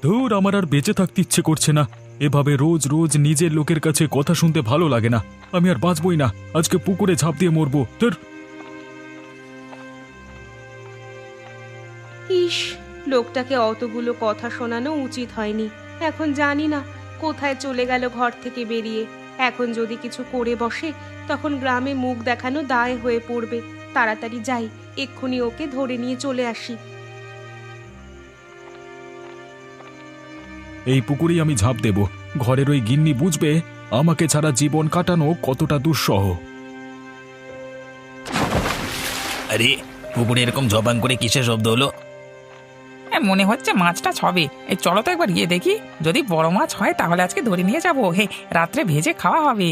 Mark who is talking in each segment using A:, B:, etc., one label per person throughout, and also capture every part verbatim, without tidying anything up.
A: ধুর, আমার আর বেঁচে থাকতে ইচ্ছে করছে না। এভাবে রোজ রোজ নিজের লোকের কাছে কথা শুনতে ভালো লাগে না। আমি আর বাঁচবই না, আজকে পুকুরে ঝাঁপ দিয়ে মরবো। ধুর।
B: ইস, লোকটাকে অতগুলো কথা শোনানো উচিত হয়নি। এখন জানি না কোথায় চলে গেল ঘর থেকে বেরিয়ে। এখন যদি কিছু করে বসে তখন গ্রামে মুখ দেখানো দায় হয়ে পড়বে। তাড়াতাড়ি যাই, এক্ষুনি ওকে ধরে নিয়ে চলে আসি।
A: এই পুকুরেই আমি ঝাঁপ দেব। ঘরের ওই গিন্নি বুঝবে আমাকে ছাড়া জীবন কাটানো কতটা দুঃসহ।
C: আরে, পুকুরে এরকম জবান করে কিসের শব্দ হলো?
D: মনে হচ্ছে মাছটা ছবে। এই চলো তো একবার গিয়ে দেখি, যদি বড় মাছ হয় তাহলে আজকে ধরে নিয়ে যাবো। হে, রাত্রে ভেজে খাওয়া হবে।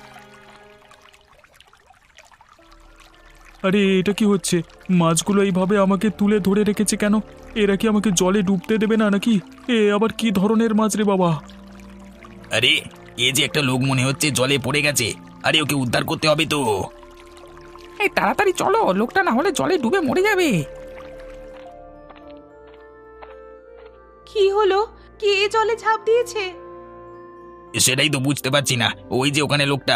A: আরে, এটা কি হচ্ছে? মাছগুলো এইভাবে আমাকে তুলে ধরে রেখেছে কেন? এরা কি আমাকে জলে ডুবতে দেবে না নাকি? এ আবার কি ধরনের মাছ রে বাবা?
C: আরে, এ যে একটা লোক মনে হচ্ছে জলে পড়ে গেছে। আরে, ওকে উদ্ধার করতে হবে তো।
D: এই তাড়াতাড়ি চলো, লোকটা না হলে জলে ডুবে মরে যাবে।
B: কি হলো? কে জলে ঝাঁপ দিয়েছে?
C: সেটাই তো বুঝতে পারছি না। ওই যে ওখানে লোকটা।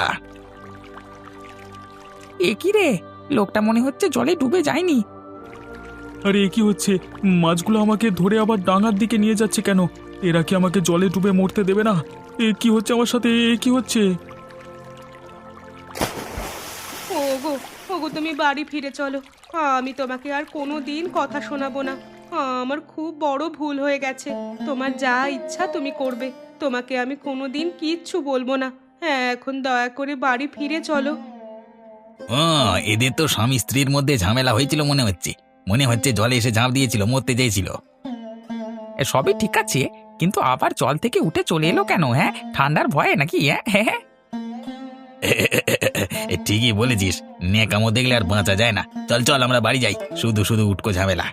D: এ কি রে, লোকটা মনে হচ্ছে জলে ডুবে যায়নি।
A: আরে, এ কি হচ্ছে? মাছগুলো আমাকে ধরে আবার ডাঙার দিকে নিয়ে যাচ্ছে কেন? এরা কি আমাকে জলে ডুবে মরতে দেবে না? এ কি হচ্ছে আমার সাথে? এ কি হচ্ছে?
B: ওগো, ওগো, তুমি বাড়ি ফিরে চলো। আমি তোমাকে আর কোনো দিন কথা শোনাবো না। আমার খুব বড় ভুল হয়ে গেছে। তোমার যা ইচ্ছা তুমি করবে। তোমাকে আমি কোনো দিন কিচ্ছু বলবো না। হ্যাঁ, এখন দয়া করে বাড়ি ফিরে চলো।
C: ও, এদের তো স্বামী স্ত্রীর মধ্যে ঝামেলা হয়েছিল মনে হচ্ছে। মনে হচ্ছে জলে এসে ঝাঁপ দিয়েছিল, মরতে চেয়েছিল।
D: এ সবই ঠিক আছে, কিন্তু আবার জল থেকে উঠে চলে এলো কেন? হ্যাঁ, ঠান্ডার ভয়ে নাকি? হ্যাঁ হ্যাঁ।
C: এ, ঠিকই বলেছিস। নেকামো দেখলে আর বাঁচা যায় না। চল চল, আমরা বাড়ি যাই। শুধু শুধু উটকো ঝামেলা।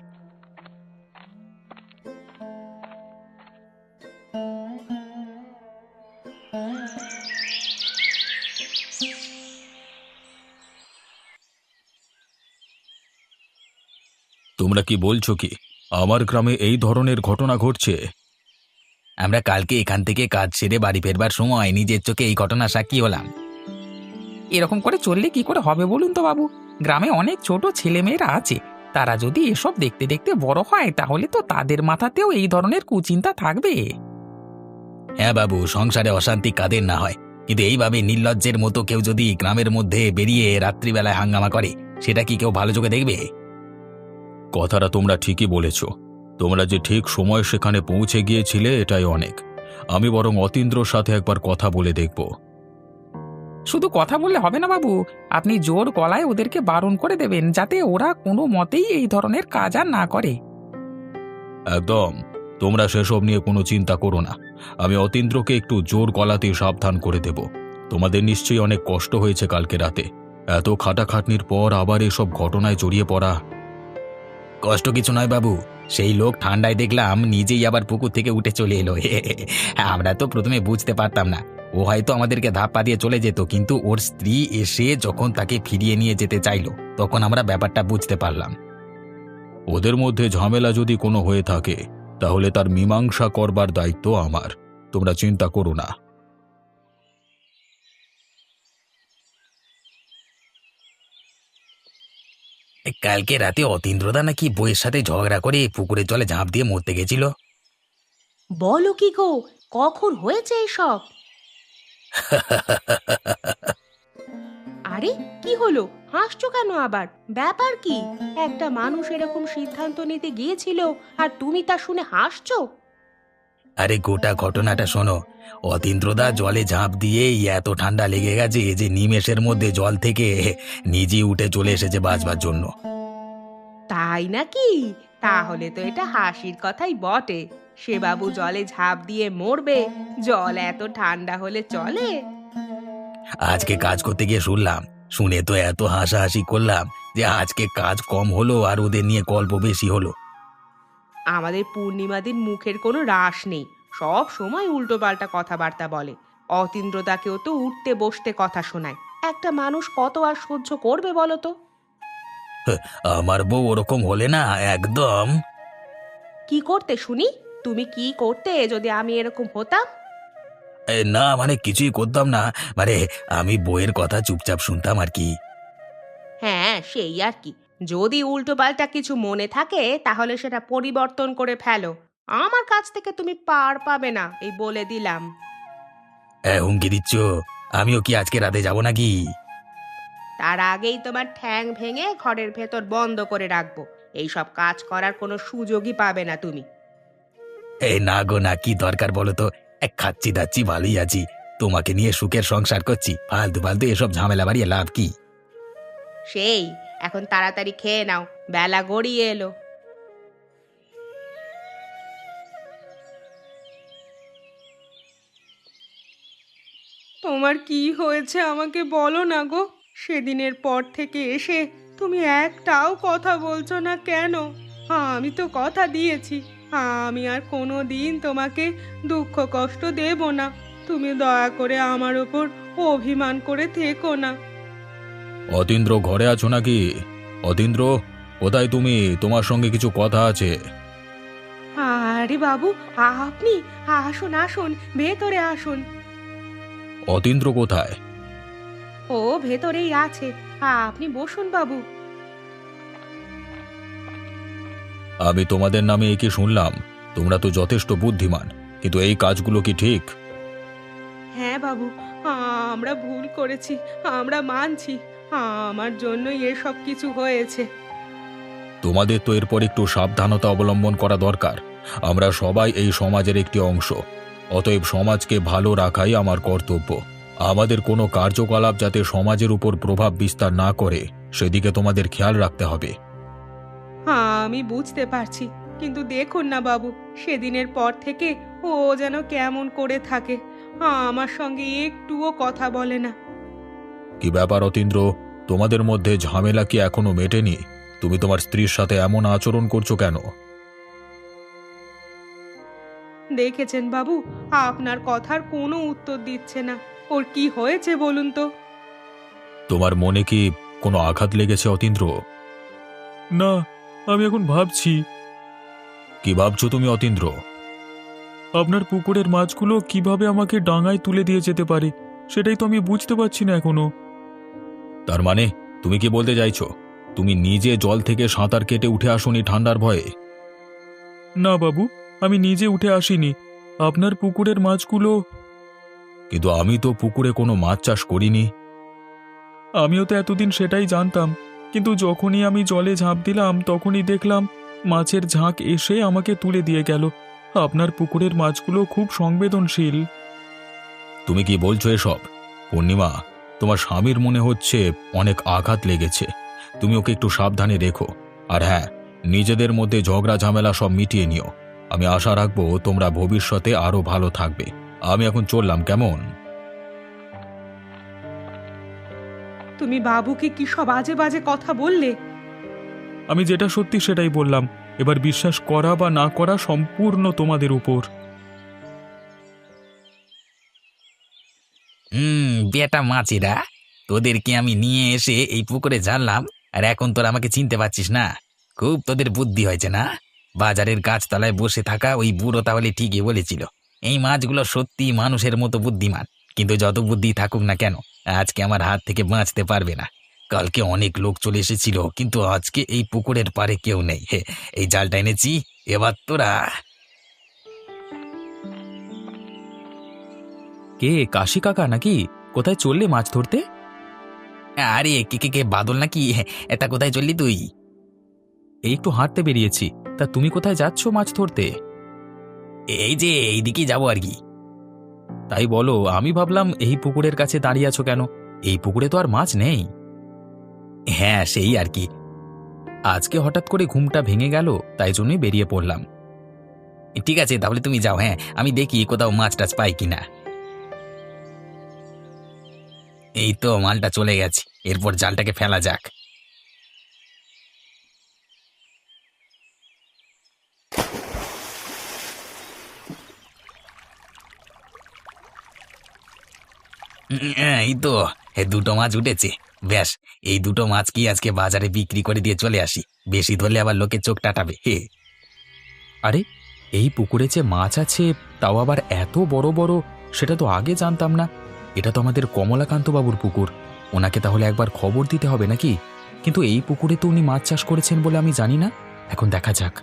A: তোমরা কি বলছো কি আমার গ্রামে এই ধরনের ঘটনা ঘটছে?
C: আমরা কালকে এখান থেকে কাজ সেরে বাড়ি ফেরবার সময় নিজের চোখে এই ঘটনা সাক্ষী হলাম।
D: এরকম করে চললে কি করে হবে বলুন তো বাবু? গ্রামে অনেক ছোট ছেলেমেয়েরা আছে, তারা যদি এসব দেখতে দেখতে বড় হয় তাহলে তো তাদের মাথাতেও এই ধরনের কুচিন্তা থাকবে।
C: হ্যাঁ বাবু, সংসারে অশান্তি কাদের না হয়, কিন্তু এইভাবে নির্লজ্জের মতো কেউ যদি গ্রামের মধ্যে বেরিয়ে রাত্রিবেলায় হাঙ্গামা করে, সেটা কি কেউ ভালো চোখে দেখবে?
A: কথাটা তোমরা ঠিকই বলেছ। তোমরা যে ঠিক সময় সেখানে পৌঁছে গিয়েছিলে এটাই অনেক। আমি বরং অতীন্দ্রর সাথে একবার কথা বলে দেখব।
D: শুধু কথা বললে হবে না বাবু, আপনি জোর গলায় ওদেরকে বারণ করে দেবেন যাতে ওরা কোনো মতেই এই ধরনের কাজ আর না করে।
A: একদম। তোমরা সেসব নিয়ে কোনো চিন্তা করো না। আমি অতীন্দ্রকে একটু জোর গলাতে সাবধান করে দেব। তোমাদের নিশ্চয়ই অনেক কষ্ট হয়েছে কালকে রাতে। এত খাটাখাটনির পর আবার এসব ঘটনায় জড়িয়ে পড়া।
C: কষ্ট কিছু নয় বাবু, সেই লোক ঠান্ডায় দেখলাম নিজেই আবার পুকুর থেকে উঠে চলে এলো। আমরা তো প্রথমে বুঝতে পারতাম না। ও হয়তো আমাদেরকে ধাপ্পা দিয়ে চলে যেত, কিন্তু ওর স্ত্রী এসে যখন তাকে ফিরিয়ে নিয়ে যেতে চাইলো তখন আমরা ব্যাপারটা বুঝতে পারলাম।
A: ওদের মধ্যে ঝামেলা যদি কোনো হয়ে থাকে তাহলে তার মীমাংসা করবার দায়িত্ব আমার। তোমরা চিন্তা করো না।
C: কালকে রাতে অতীন্দ্রদা নাকি বইয়ের সাথে ঝগড়া করে পুকুরের জলে ঝাঁপ দিয়ে মরতে গেছিল।
B: বলো কি গো, কখন হয়েছে এসব? আরে, কি হলো? হাসছো কেন আবার? ব্যাপার কি? একটা মানুষ এরকম সিদ্ধান্ত নিতে গিয়েছিল আর তুমি তা শুনে হাসছো?
C: আরে, গোটা ঘটনাটা শোনো। অতীন্দ্রদা জলে ঝাঁপ দিয়ে এত ঠান্ডা লেগে গেছে যে নিমেষের মধ্যে জল থেকে নিজেই উঠে চলে এসেছে বাঁচবার জন্য।
B: তাই নাকি? তাহলে তো এটা হাসির কথাই বটে। সে বাবু জলে ঝাঁপ দিয়ে মরবে? জল এত ঠান্ডা হলে চলে?
C: আজকে কাজ করতে গিয়ে শুনলাম, শুনে তো এত হাসাহাসি করলাম যে আজকে কাজ কম হলো আর ওদের নিয়ে গল্প বেশি হলো।
B: আমাদের পূর্ণিমাদির মুখের কোনো রাশ নেই, সব সময় উল্টো পাল্টা কথাবার্তা বলে। অতীন্দ্রদাকেও তো উঠতে বসতে কথা শোনায়। একটা মানুষ কত আর সহ্য করবে বলো তো?
C: আমার বউ ওরকম হলে না একদম।
B: কি করতে শুনি? তুমি কি করতে যদি আমি এরকম হতাম?
C: এ, না মানে কিছুই করতাম না, মানে আমি বইয়ের কথা চুপচাপ শুনতাম আর কি।
B: হ্যাঁ, সেই আর কি। যদি উল্টোপাল্টা কিছু মনে থাকে তাহলে সেটা পরিবর্তন করে ফেলো। আমার কাছ থেকে তুমি পার পাবে না, এই বলে দিলাম।
C: এ, হুমকি দিচ্ছ? আমিও কি আজকে রাতে যাব নাকি?
B: তার আগেই তোমার ঠ্যাং ভেঙে ঘরের ভেতর বন্ধ করে রাখবো। এইসব কাজ করার কোনো সুযোগই পাবে না তুমি।
C: এই না গো না, কি দরকার বলো তো? এক খাচ্ছি দাচ্ছি ভালোই আছি, তোমাকে নিয়ে সুখের সংসার করছি, ফালতু ফালতু এসব ঝামেলা বাড়িয়ে লাভ কি?
B: সেই, এখন তাড়াতাড়ি খেয়ে নাও, বেলা গড়িয়ে এলো। তোমার কি হয়েছে আমাকে বলো না গো। সেদিনের পর থেকে এসে তুমি একটাও কথা বলছো না কেন? আমি তো কথা দিয়েছি আমি আর কোনো দিন তোমাকে দুঃখ কষ্ট দেব না। তুমি দয়া করে আমার ওপর অভিমান করে থেকো না।
A: অতীন্দ্র ঘরে আছো নাকি? অতীন্দ্র, কোথায় তুমি? তোমার সঙ্গে কিছু কথা আছে।
B: আরে বাবু, আপনি আসুন আসুন, ভেতরে আসুন।
A: অতীন্দ্র কোথায়?
B: ও ভেতরেই আছে, আপনি বসুন বাবু।
A: আমি তোমাদের নামে এ কি শুনলাম? তোমরা তো যথেষ্ট বুদ্ধিমান, কিন্তু এই কাজগুলো কি ঠিক?
B: হ্যাঁ বাবু, আমরা ভুল করেছি, আমরা মানছি। আমার জন্যই এসব কিছু হয়েছে।
A: তোমাদের তো এরপর একটু সাবধানতা অবলম্বন করা দরকার। আমরা সবাই এই সমাজের একটি অংশ, অতএব সমাজকে ভালো রাখাই আমার কর্তব্য। আমাদের কোনো কার্যকলাপ যাতে সমাজের উপর প্রভাব বিস্তার না করে সেদিকে তোমাদের খেয়াল রাখতে হবে।
B: আমি বুঝতে পারছি, কিন্তু দেখুন না বাবু, সেদিনের পর থেকে ও যেন কেমন করে থাকে, আমার সঙ্গে একটুও কথা বলে না।
A: কি ব্যাপার অতীন্দ্র, তোমাদের মধ্যে ঝামেলা কি এখনো মেটেনি? তুমি তোমার স্ত্রীর সাথে এমন আচরণ করছো কেন?
B: দেখেছেন বাবু, আপনার কথার কোনো উত্তর দিচ্ছে না। ওর কি হয়েছে বলুন তো?
A: তোমার মনে কি কোনো আঘাত লেগেছে অতীন্দ্র?
E: না, আমি এখন ভাবছি
A: কি ভাবছো তুমি অতীন্দ্র?
E: আপনার পুকুরের মাছগুলো কিভাবে আমাকে ডাঙায় তুলে দিয়ে যেতে পারে, সেটাই তো আমি বুঝতে পারছি না এখনো।
A: তার মানে তুমি কি বলতে চাইছো তুমি নিজে জল থেকে সাঁতার কেটে উঠে আসোনি ঠান্ডার ভয়ে?
E: না বাবু, আমি নিজে উঠে আসিনি। আপনার পুকুরের মাছগুলো।
A: কিন্তু আমি তো পুকুরে কোনো মাছ চাষ করিনি।
E: আমিও তো এতদিন সেটাই জানতাম, কিন্তু যখনই আমি জলে ঝাঁপ দিলাম তখনই দেখলাম মাছের ঝাঁক এসে আমাকে তুলে দিয়ে গেল। আপনার পুকুরের মাছগুলো খুব সংবেদনশীল।
A: তুমি কি বলছো এসব? পূর্ণিমা, তোমার স্বামীর মনে হচ্ছে অনেক আঘাত লেগেছে। তুমি ওকে একটু সাবধানে রেখো। আর হ্যাঁ, নিজেদের মধ্যে ঝগড়া ঝামেলা সব মিটিয়ে নিও। আমি আশা রাখবো তোমরা ভবিষ্যতে আরো ভালো থাকবে। আমি এখন চললাম, কেমন?
B: তুমি বাবুকে কি সব বাজে বাজে কথা বললে?
E: আমি যেটা সত্যি সেটাই বললাম। এবার বিশ্বাস করা বা না করা সম্পূর্ণ তোমাদের উপর।
C: হুম, বেটা মাছিরা, তোদেরকে আমি নিয়ে এসে এই পুকুরে জানলাম, আর এখন তোরা আমাকে চিনতে পারছিস না? খুব তোদের বুদ্ধি হয়েছে না? বাজারের গাছতলায় বসে থাকা ওই বুড়ো তাহলে ঠিকই বলেছিল, এই মাছগুলো সত্যি মানুষের মতো বুদ্ধিমান। কিন্তু যত বুদ্ধি থাকুক না কেন, আজকে আমার হাত থেকে বাঁচতে পারবে না। কালকে অনেক লোক চলে এসেছিল, কিন্তু আজকে এই পুকুরের পাড়ে কেউ নেই। হে, এই জালটা এনেছি, এবার তোরা।
D: কে, কাশি কাকা নাকি? কোথায় চললে মাছ ধরতে?
C: আরে কে কে কে বাদল নাকি? এটা কোথায় চললি তুই?
D: এই একটু হাঁটতে বেরিয়েছি। তা তুমি কোথায় যাচ্ছ মাছ ধরতে?
C: এই যে এইদিকে যাবো আর কি।
D: তাই বলো, আমি ভাবলাম এই পুকুরের কাছে দাঁড়িয়ে আছো কেন? এই পুকুরে তো আর মাছ নেই।
C: হ্যাঁ, সেই আর কি।
D: আজকে হঠাৎ করে ঘুমটা ভেঙে গেল, তাই জন্যই বেরিয়ে পড়লাম।
C: ঠিক আছে, তাহলে তুমি যাও। হ্যাঁ, আমি দেখি কোথাও মাছ টাছ পাই কিনা। এই তো মালটা চলে গেছে, এরপর জালটাকে ফেলা যাক। উম, এই তো এ দুটো মাছ উঠেছে। ব্যাস, এই দুটো মাছ কি আজকে বাজারে বিক্রি করে দিয়ে চলে আসি। বেশি ধরলে আবার লোকে চোখ টাটাবে। হে,
D: আরে,
C: এই পুকুরে যে মাছ আছে তাও আবার এত বড় বড়, সেটা তো আগে জানতাম না। এটা তো আমাদের কমলাকান্ত বাবুর পুকুর, ওনাকে তাহলে একবার খবর দিতে হবে নাকি? কিন্তু এই পুকুরে তো উনি মাছ চাষ করেছেন বলে আমি জানি না। এখন দেখা যাক।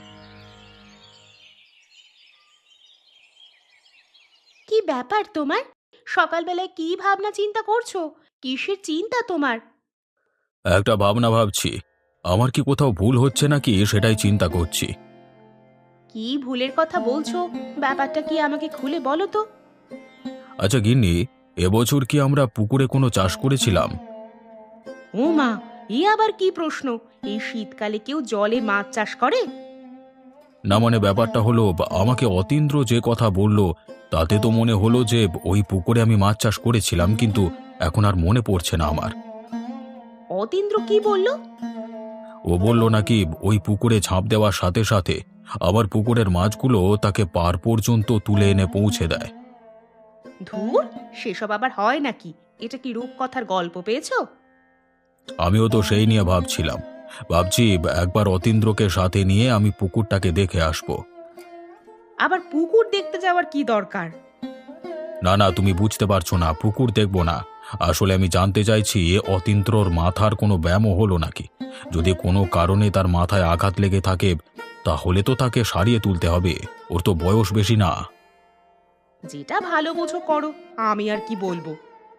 B: কি ব্যাপার তোমার? সকালবেলায় কি ভাবনা চিন্তা করছো? কিসের চিন্তা তোমার?
A: একটা ভাবনা ভাবছি, আমার কি কোথাও ভুল হচ্ছে নাকি সেটাই চিন্তা করছি।
B: কি ভুলের কথা বলছো? ব্যাপারটা কি আমাকে খুলে বলো তো।
A: আচ্ছা গিন্নি, এবছর কি আমরা পুকুরে কোনো চাষ করেছিলাম?
B: ও মা, এ আবার কি প্রশ্ন? এই শীতকালে কেউ জলে মাছ চাষ করে?
A: না মানে ব্যাপারটা হলো, বা- আমাকে অতীন্দ্র যে কথা বলল তাতে তো মনে হলো যে ওই পুকুরে আমি মাছ চাষ করেছিলাম, কিন্তু এখন আর মনে পড়ছে না আমার।
B: অতীন্দ্র কি বলল?
A: ও বলল নাকি ওই পুকুরে ঝাঁপ দেওয়ার সাথে সাথে আমার পুকুরের মাছগুলো তাকে পার পর্যন্ত তুলে এনে পৌঁছে দেয়।
B: ধুর, সেসব আবার হয় নাকি? এটা কি রূপকথার গল্প পেয়েছো?
A: আমিও তো সেই নিয়ে ভাবছিলাম। ভাবছি একবার অতীন্দ্রকে সাথে নিয়ে আমি পুকুরটাকে দেখে আসব।
B: আবার পুকুর দেখতে যাওয়ার কি দরকার?
A: না না, তুমি বুঝতে পারছো না, পুকুর দেখব না। আসলে আমি জানতে চাইছি অতীন্দ্রর মাথার কোনো ব্যায়ামও হলো নাকি। যদি কোনো কারণে তার মাথায় আঘাত লেগে থাকে তাহলে তো তাকে সারিয়ে তুলতে হবে, ওর তো বয়স বেশি না।
B: যেটা ভালো বোঝো করো, আমি আর কি বলবো।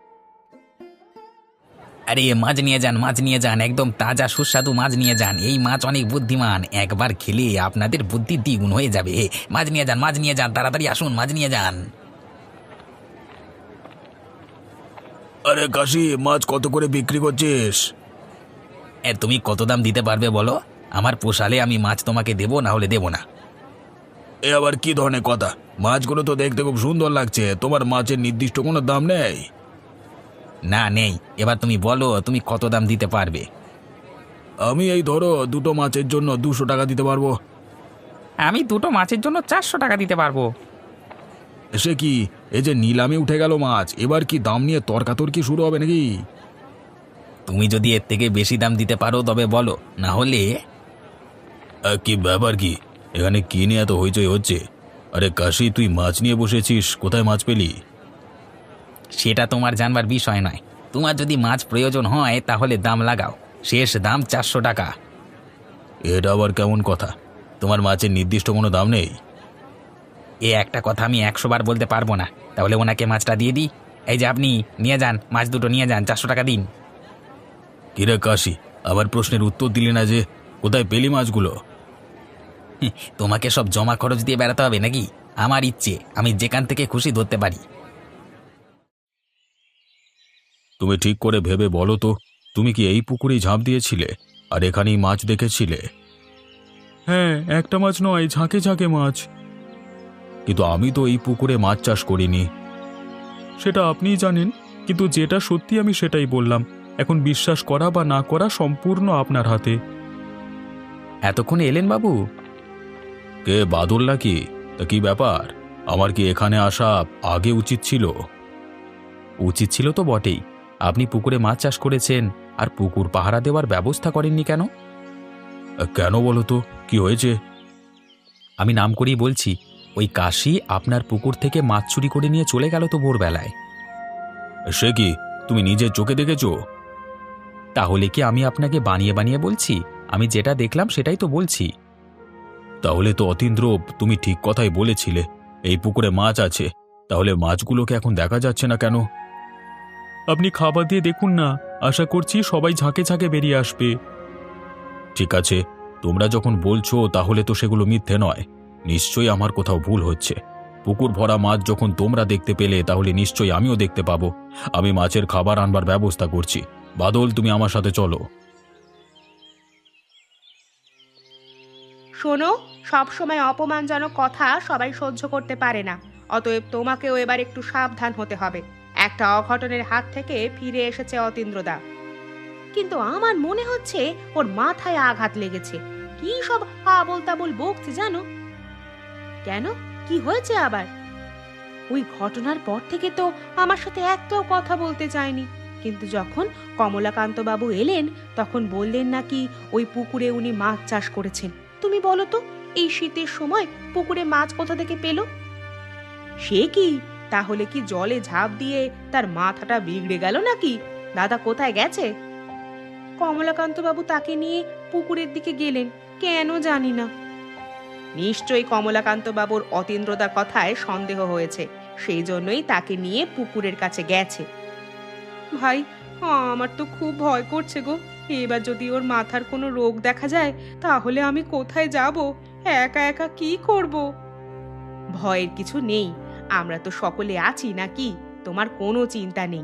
C: আরে মাছ নিয়ে যান, মাছ নিয়ে যান, একদম তাজা সুস্বাদু মাছ নিয়ে যান। এই মাছ অনেক বুদ্ধিমান, একবার খেলে আপনাদের বুদ্ধি দ্বিগুণ হয়ে যাবে। মাছ নিয়ে যান, মাছ নিয়ে যান, তাড়াতাড়ি আসুন, মাছ নিয়ে যান।
A: আরে কাশি, মাছ কত করে বিক্রি করছিস?
C: এ তুমি কত দাম দিতে পারবে বলো? আমার পোষালে আমি মাছ তোমাকে দেবো, না হলে দেবো না।
A: এ আবার কি ধরনের কথা? মাছগুলো তো দেখতে খুব সুন্দর লাগছে, তোমার মাছের নির্দিষ্ট কোনো দাম নেই?
C: না নেই। এবার তুমি বলো তুমি কত দাম দিতে পারবে।
A: আমি এই ধরো দুটো মাছের জন্য দুশো টাকা দিতে পারবো।
D: আমি দুটো মাছের জন্য চারশো টাকা দিতে পারবো।
A: সে কি, এই যে নিলামে উঠে গেল মাছ, এবার কি দাম নিয়ে তর্কাতর্কি শুরু হবে নাকি?
C: তুমি যদি এর থেকে বেশি দাম দিতে পারো তবে বলো, না হলে।
A: আ, কি ব্যাপার কি? এখানে কি নিয়ে এত হইচই হচ্ছে? আরে কাশি, তুই মাছ নিয়ে বসেছিস, কোথায় মাছ পেলি?
C: সেটা তোমার জানবার বিষয় নয়। তোমার যদি মাছ প্রয়োজন হয় তাহলে দাম লাগাও, শেষ দাম চারশো টাকা।
A: এটা আবার কেমন কথা? তোমার মাছের নির্দিষ্ট কোনো দাম নেই?
C: এ একটা কথা আমি একশো বার বলতে পারবো না। তাহলে ওনাকে মাছটা দিয়ে দিই। এই যে আপনি নিয়ে যান, মাছ দুটো নিয়ে যান, চারশো টাকা দিন।
A: কিরে কাশি, আবার প্রশ্নের উত্তর দিলি না যে, কোথায় পেলি মাছগুলো?
C: হুঁ, তোমাকে সব জমা খরচ দিয়ে বেড়াতে হবে নাকি? আমার ইচ্ছে, আমি যেখান থেকে খুশি ধরতে পারি।
A: তুমি ঠিক করে ভেবে বলো তো, তুমি কি এই পুকুরেই ঝাঁপ দিয়েছিলে আর এখানেই মাছ দেখেছিলে?
E: হ্যাঁ, একটা মাছ নয়, ঝাঁকে ঝাঁকে মাছ।
A: কিন্তু আমি তো এই পুকুরে মাছ চাষ করিনি।
E: সেটা আপনিই জানেন, কিন্তু যেটা সত্যি আমি সেটাই বললাম। এখন বিশ্বাস করা বা না করা সম্পূর্ণ আপনার হাতে।
C: এতক্ষণে এলেন বাবু?
A: কে, বাদল নাকি? তা কি ব্যাপার? আমার কি এখানে আসা আগে উচিত ছিল?
C: উচিত ছিল তো বটেই। আপনি পুকুরে মাছ চাষ করেছেন আর পুকুর পাহারা দেওয়ার ব্যবস্থা করেননি কেন?
A: আ, কেন বলো তো, কি হয়েছে?
C: আমি নাম করেই বলছি, ওই কাশি আপনার পুকুর থেকে মাছ চুরি করে নিয়ে চলে গেল তো ভোরবেলায়।
A: সে কি, তুমি নিজের চোখে দেখেছো?
C: তাহলে কি আমি আপনাকে বানিয়ে বানিয়ে বলছি? আমি যেটা দেখলাম সেটাই তো বলছি।
A: তাহলে তো অতীন্দ্র, তুমি ঠিক কথাই বলেছিলে, এই পুকুরে মাছ আছে। তাহলে মাছগুলোকে এখন দেখা যাচ্ছে না কেন?
E: আপনি খাবার দিয়ে দেখুন না, আশা করছি সবাই ঝাঁকে ঝাঁকে বেরিয়ে আসবে।
A: ঠিক আছে, তোমরা যখন বলছো তাহলে তো সেগুলো মিথ্যে নয়। নিশ্চয়ই আমার কোথাও ভুল হচ্ছে। পুকুর ভরা মাছ যখন তোমরা দেখতে পেলে তাহলে নিশ্চয়ই আমিও দেখতে পাবো। আমি মাছের খাবার আনবার ব্যবস্থা করছি। বাদল, তুমি আমার সাথে চলো।
B: শোনো, সব সময় অপমানজনক কথা সবাই সহ্য করতে পারে না। অতএব তোমাকেও এবার একটু সাবধান হতে হবে। একটা অঘটনের হাত থেকে ফিরে এসেছে অতীন্দ্রদা, কিন্তু আমার মনে হচ্ছে ওর মাথায় আঘাত লেগেছে। কি সব আবোল তাবোল বকছে জানো? কেন, কি হয়েছে আবার? ওই ঘটনার পর থেকে তো আমার সাথে একটাও কথা বলতে চায়নি, কিন্তু যখন কমলাকান্ত বাবু এলেন তখন বললেন নাকি ওই পুকুরে উনি মাছ চাষ করেছেন। তুমি বলো তো, এই শীতের সময় পুকুরে মাছ কোথা থেকে পেল? সে কি, তাহলে কি জলে ঝাঁপ দিয়ে তার মাথাটা বিগড়ে গেল নাকি? দাদা কোথায় গেছে? কমলাকান্ত বাবু তাকে নিয়ে পুকুরের দিকে গেলেন, কেন জানি না। নিশ্চয়ই কমলাকান্ত বাবুর অতীন্দ্রদার কথায় সন্দেহ হয়েছে, সেই জন্যই তাকে নিয়ে পুকুরের কাছে গেছে। ভাই, আমার তো খুব ভয় করছে গো। এবার যদি ওর মাথার কোনো রোগ দেখা যায় তাহলে আমি কোথায় যাব? একা একা কি করব? ভয়ের কিছু নেই, আমরা তো সকলে আছি নাকি, তোমার কোনো চিন্তা নেই।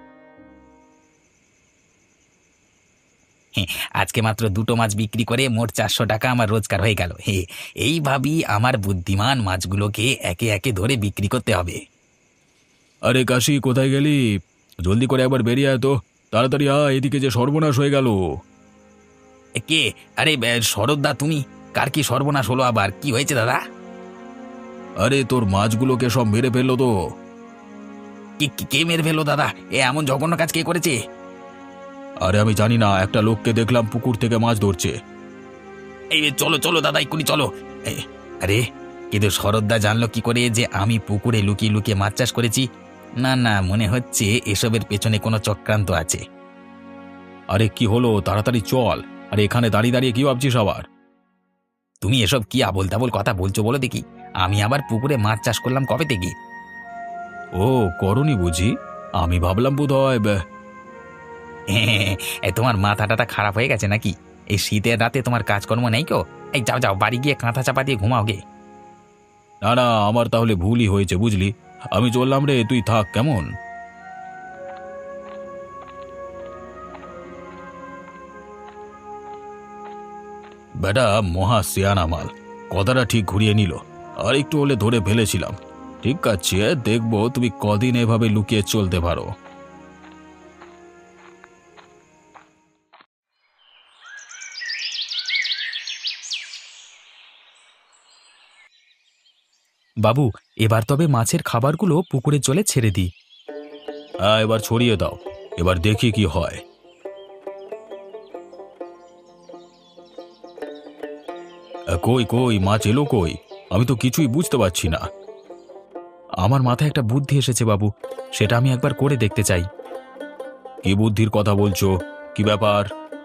C: আজকে মাত্র দুটো মাছ বিক্রি করে মোট চারশো টাকা আমার রোজগার হয়ে গেল। হে, এইভাবেই আমার বুদ্ধিমান মাছগুলোকে একে একে ধরে বিক্রি করতে হবে।
A: আরে কাশি, কোথায় গেলি? জলদি করে একবার বেরিয়ে আয় তো, তাড়াতাড়ি আয়, এদিকে যে সর্বনাশ হয়ে গেল।
C: এ, কে? আরে বে, শরৎদা তুমি? কার কি সর্বনাশ হলো আবার? কি হয়েছে দাদা?
A: আরে তোর মাছগুলোকে সব মেরে ফেললো তো।
C: কি কি- কে মেরে ফেললো দাদা? এ এমন জঘন্য কাজ কে করেছে?
A: আরে আমি জানি না, একটা লোককে দেখলাম পুকুর থেকে মাছ ধরছে।
C: এই চলো চলো দাদা, এক্ষুনি চলো। এ, আরে কিন্তু শরৎদা জানলো কি করে যে আমি পুকুরে লুকিয়ে লুকিয়ে মাছ চাষ করেছি? না না, মনে হচ্ছে এসবের পেছনে কোনো চক্রান্ত আছে।
A: আরে কি হলো, তাড়াতাড়ি চল। আরে এখানে দাঁড়িয়ে দাঁড়িয়ে কি ভাবছিস আবার?
C: তুমি এসব কি আবোল তাবোল কথা বলছো বলো দেখি? আমি আবার পুকুরে মাছ চাষ করলাম কবে থেকে?
A: ও, করনি বুঝি? আমি ভাবলাম বোধ হয়।
C: এ, তোমার মাথা টাটা খারাপ হয়ে গেছে নাকি? এই শীতের রাতে তোমার কাজকর্ম নেই কেউ? এই যাও যাও, বাড়ি গিয়ে কাঁথা চাপা দিয়ে ঘুমাও গে।
A: না না, আমার তাহলে ভুলই হয়েছে বুঝলি। আমি চললাম রে, তুই থাক কেমন। বেটা মহা সিয়ানা মাল, কথাটা ঠিক ঘুরিয়ে নিল। আর একটু হলে ধরে ফেলেছিলাম। ঠিক আছে, দেখবো তুমি কদিন এভাবে লুকিয়ে চলতে পারো।
E: বাবু, এবার তবে মাছের খাবারগুলো পুকুরের জলে ছেড়ে দিই।
A: হ্যাঁ, এবার ছড়িয়ে দাও, এবার দেখি কি হয়। আ, কই কই মাছ এলো কই? আমি তো কিছুই বুঝতে পারছি না।
E: আমার মাথায় একটা বুদ্ধি এসেছে বাবু, সেটা আমি একবার করে দেখতে চাই।
A: কি বুদ্ধির কথা বলছো? কি ব্যাপার?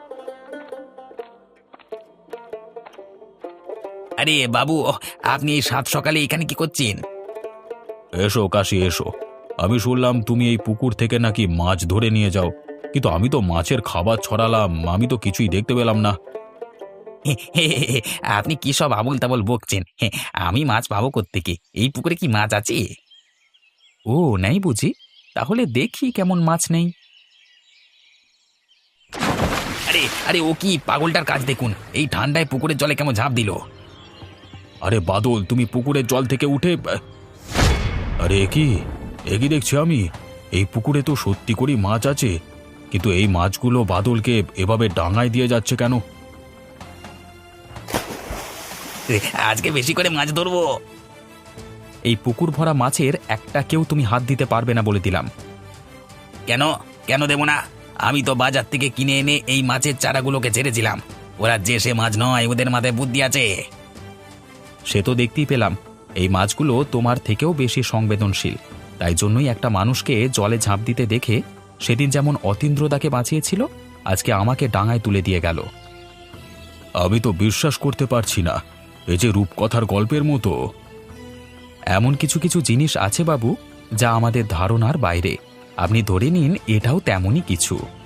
C: আরে বাবু, আপনি এই সাত সকালে এখানে কি করছেন?
A: এসো কাশি এসো। আমি শুনলাম তুমি এই পুকুর থেকে নাকি মাছ ধরে নিয়ে যাও, কিন্তু আমি তো মাছের খাবার ছড়ালাম, আমি তো কিছুই দেখতে পেলাম না।
C: হে, হে, হে, হে, আপনি কি সব আবোল তাবোল বকছেন? হে, আমি মাছ পাবো কোত্থেকে? এই পুকুরে কি মাছ আছে?
E: ও, নেই বুঝি? তাহলে দেখি কেমন মাছ নেই।
C: আরে আরে, ও কি পাগলটার কাজ দেখুন, এই ঠান্ডায় পুকুরের জলে কেমন ঝাঁপ দিল।
A: আরে বাদল, তুমি পুকুরের জল থেকে উঠে। আরে এ কি এ কি দেখছি আমি? এই পুকুরে তো সত্যি করেই মাছ আছে, কিন্তু এই মাছগুলো বাদলকে এভাবে ডাঙায় দিয়ে যাচ্ছে কেন?
C: আজকে বেশি করে মাছ ধরবো।
E: এই পুকুর ভরা মাছের একটা কেউ তুমি হাত দিতে পারবে না বলে দিলাম।
C: কেন কেন দেবো না? আমি তো বাজার থেকে কিনে এনে এই মাছের চারাগুলোকে ছেড়েছিলাম। ওরা যে সে মাছ নয়, ওদের মাথায় বুদ্ধি আছে।
E: সে তো দেখতেই পেলাম, এই মাছগুলো তোমার থেকেও বেশি সংবেদনশীল। তাই জন্যই একটা মানুষকে জলে ঝাঁপ দিতে দেখে সেদিন যেমন অতীন্দ্রদাকে বাঁচিয়েছিল, আজকে আমাকে ডাঙায় তুলে দিয়ে গেল।
A: আমি তো বিশ্বাস করতে পারছি না, এই যে রূপকথার গল্পের মতো।
E: এমন কিছু কিছু জিনিস আছে বাবু, যা আমাদের ধারণার বাইরে। আপনি ধরে নিন এটাও তেমনই কিছু।